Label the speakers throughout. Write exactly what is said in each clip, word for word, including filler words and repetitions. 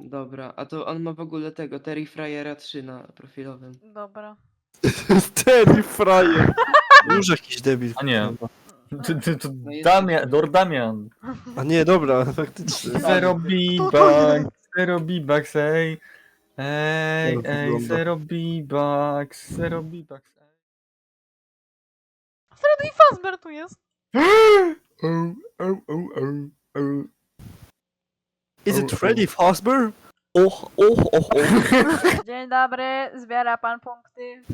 Speaker 1: Dobra, a to on ma w ogóle tego, Terry Fryera trzy na profilowym.
Speaker 2: Dobra.
Speaker 3: Terry Fryer. Już jakiś debil.
Speaker 4: A nie. To, to, to
Speaker 1: No jest
Speaker 4: Damian,
Speaker 1: jakiś-
Speaker 4: Lord Damian.
Speaker 3: A nie, dobra, faktycznie.
Speaker 4: Zero
Speaker 2: to
Speaker 4: B-Bucks, zero B-Bucks, ej. Ej,
Speaker 3: Jak
Speaker 4: ej,
Speaker 3: wygląda?
Speaker 4: zero B-Bucks, zero B-Bucks, ej.
Speaker 2: Freddy Fazbear tu jest.
Speaker 3: Oh, oh, oh, oh, oh. Is
Speaker 4: Oh,
Speaker 3: it
Speaker 4: oh.
Speaker 3: Freddy Fazbear? Och, och, och, och.
Speaker 2: Dzień dobry, zbiera pan punkty.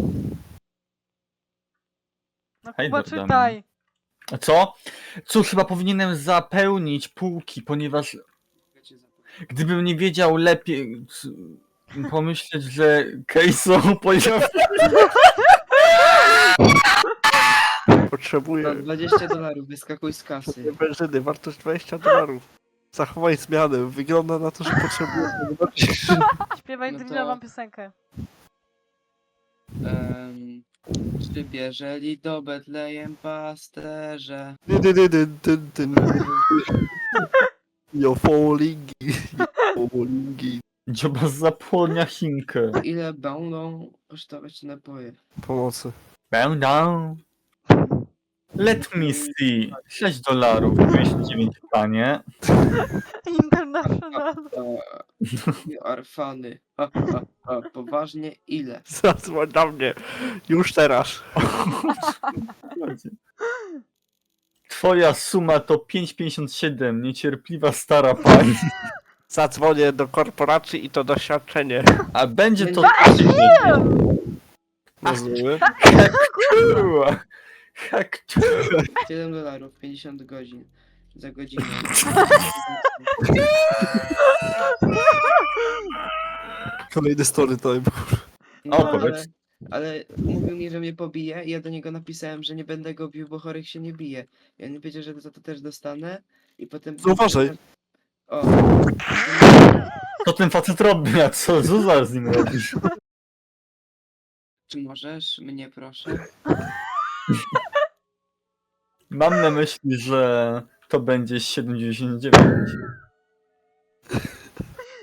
Speaker 2: No
Speaker 4: Hej,
Speaker 2: Kuba,
Speaker 4: Damian.
Speaker 2: czytaj.
Speaker 4: A co? Cóż, chyba powinienem zapełnić półki, ponieważ gdybym nie wiedział lepiej, c- pomyśleć, że Kejso pojawi...
Speaker 3: Potrzebuję
Speaker 1: Za dwadzieścia dolarów, wyskakuj z kasy.
Speaker 3: benzyny, wartość dwadzieścia dolarów. Zachowaj zmianę, wygląda na to, że potrzebuję.
Speaker 2: Śpiewaj
Speaker 1: No to-
Speaker 2: drillową piosenkę.
Speaker 1: Um, przybierzeli do Betlejem pasterze.
Speaker 3: Dyn, dyn, dyn, dyn, dyn. You're falling, you're falling.
Speaker 4: Dzioba zapłodnia Chinkę.
Speaker 1: Ile będą kosztować napoje?
Speaker 3: Pomocy.
Speaker 4: Będę. Let me see. sześć dolarów, dwieście dziewięć panie.
Speaker 2: International.
Speaker 1: You are funny. Ha, ha, ha. Poważnie, ile?
Speaker 3: Zadzwoń na mnie. Już teraz.
Speaker 4: Twoja suma to pięć pięćdziesiąt siedem, niecierpliwa stara pani.
Speaker 3: Zadzwonię do korporacji i to doświadczenie.
Speaker 4: A będzie to...
Speaker 3: Rozumiemy?
Speaker 4: Kurwa. Jak to?
Speaker 1: siedem dolarów, pięćdziesiąt godzin. Za godzinę.
Speaker 3: Kolejny story time.
Speaker 1: No,
Speaker 4: O,
Speaker 1: ale,
Speaker 4: powiedz.
Speaker 1: ale mówił mi, że mnie pobije i ja do niego napisałem, że nie będę go bił, bo chorych się nie bije. I on mi powiedział, że za to też dostanę i potem...
Speaker 3: No uważaj.
Speaker 1: O,
Speaker 4: To ten facet robi, a co Zuza z nim robisz?
Speaker 1: czy możesz mnie proszę?
Speaker 4: Mam na myśli, że to będzie siedem dziewięćdziesiąt dziewięć.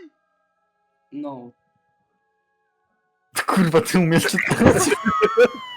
Speaker 1: No.
Speaker 4: Kurwa, ty umiesz czytać?